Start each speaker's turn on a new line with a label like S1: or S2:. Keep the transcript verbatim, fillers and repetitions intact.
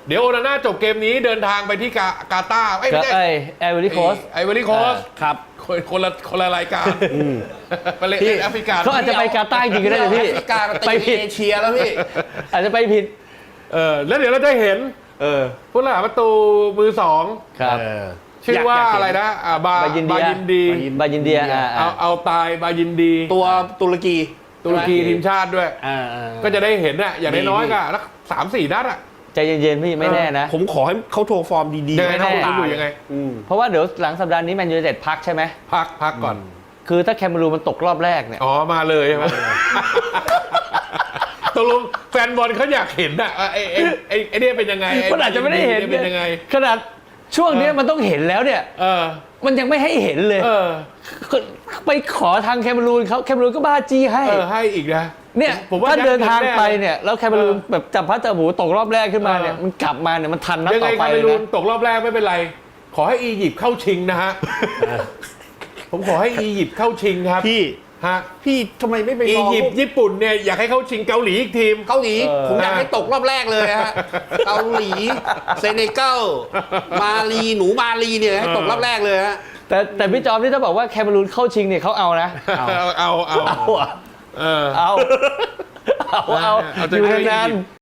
S1: เดี๋ยวโอนาน่าจบเกมนี้เดินทางไปที่กากาตาร์ไอ้ยไม่ใช่
S2: ไอ้ไอเวอรี่โคส
S1: ไอเวอรี่โคส
S3: ครับ
S1: คนคนละคนละรายการไปเล่นแอฟริกา
S2: เขาอาจจะไปกาตาร์จริงก็ได้เลยพี่
S3: แอฟริกามา
S2: ไป
S3: ตี
S2: ผิด
S3: เอเชียแล้วพี่
S2: อาจจะไปผิด
S1: เออแล้วเดี๋ยวเราจะเห็น
S3: เออ
S1: ผู้รักษาประตูมือสอง
S2: ครับ
S3: เออ
S1: ชื่อว่าอะไรนะอ่าบา
S2: บายินเดีย
S1: บายินดี
S2: บายินเดียอ่า
S1: เอาเอาตายบายินดี
S3: ตัวตุรกี
S1: ตุรกีทีมชาติด้วย
S3: อ่า
S1: ก็จะได้เห็นน่ะอย่างน้อยๆก็สักสามสี่นัดอ่ะ
S2: ใจเย็นๆพี่ไม่แน่นะ
S3: ผมขอให้เขาโชว์ฟอร์มดีๆ
S1: ยังไง
S3: ไม่
S1: เขา
S3: เท่า
S1: ดู
S3: ตาย
S1: ยังไง
S3: อืม
S2: เพราะว่าเดี๋ยวหลังสัปดาห์นี้แมนยูไนเต็ดพักใช่ไหม
S1: พักพักก่อน
S2: คือถ้าแคมเบรูนมันตกรอบแรกเนี่ย
S1: อ๋อมาเลยใช่ไหมตกลงแฟนบอลเขาอยากเห็นอ่ะไอ้ไอ้ไอ้ไอ้เนี่ยเป็นยังไง
S2: มันอาจจะไม่ได้เห็น
S1: เป็นยังไง
S2: ขนาดช่วงเนี้ยมันต้องเห็นแล้วเนี่ย
S1: เออ
S2: มันยังไม่ให้เห็นเลย
S1: เออ
S2: ไปขอทางแคมเบรูนเขาแคมเบรูนก็บ้าจี้ให้
S1: เออให้อีกนะ
S2: เนี่ย
S1: ผมว่า
S2: ถ้าเดินทางไป
S1: แน่
S2: เนี่ยแล้วแคมเบรูนแบบจับพัดจับหมูตกรอบแรกขึ้นมาเนี่ย
S1: เออ
S2: มันกลับมาเนี่ยมันทันนัด
S1: ยัง
S2: ต่
S1: ไง
S2: อไป
S1: คาเม
S2: เลย
S1: รูน
S2: นะ
S1: ตกรอบแรกไม่เป็นไร ขอให้อียิปต์เข้าชิงนะฮะ ผมขอให้อียิปต์เข้าชิงครับ
S3: พี่
S1: ฮะ
S3: พี่ทำไมไม่ไป
S1: อี
S3: รอ
S1: ยิปต์ญี่ปุ่นเนี่ยอยากให้เข้าชิงเกาหลีอีกทีม
S3: เกาหลี
S2: เออ
S3: ผมอยากให้ตกรอบแรกเลยฮะ เกาหลี เซเนกัล มาลีหนูมาลีเนี่ยให้ตกรอบแรกเลยฮะ
S2: แต่แต่พี่จอมนี่ถ้าบอกว่าแคมเบรูนเข้าชิงเนี่ยเขาเอานะ
S1: เอาเอาเอา
S2: เอาอะ
S1: เออ
S2: เอาเอาเอา
S1: เอา
S2: อยู่
S1: จะให้
S2: นาน
S1: อียิปต์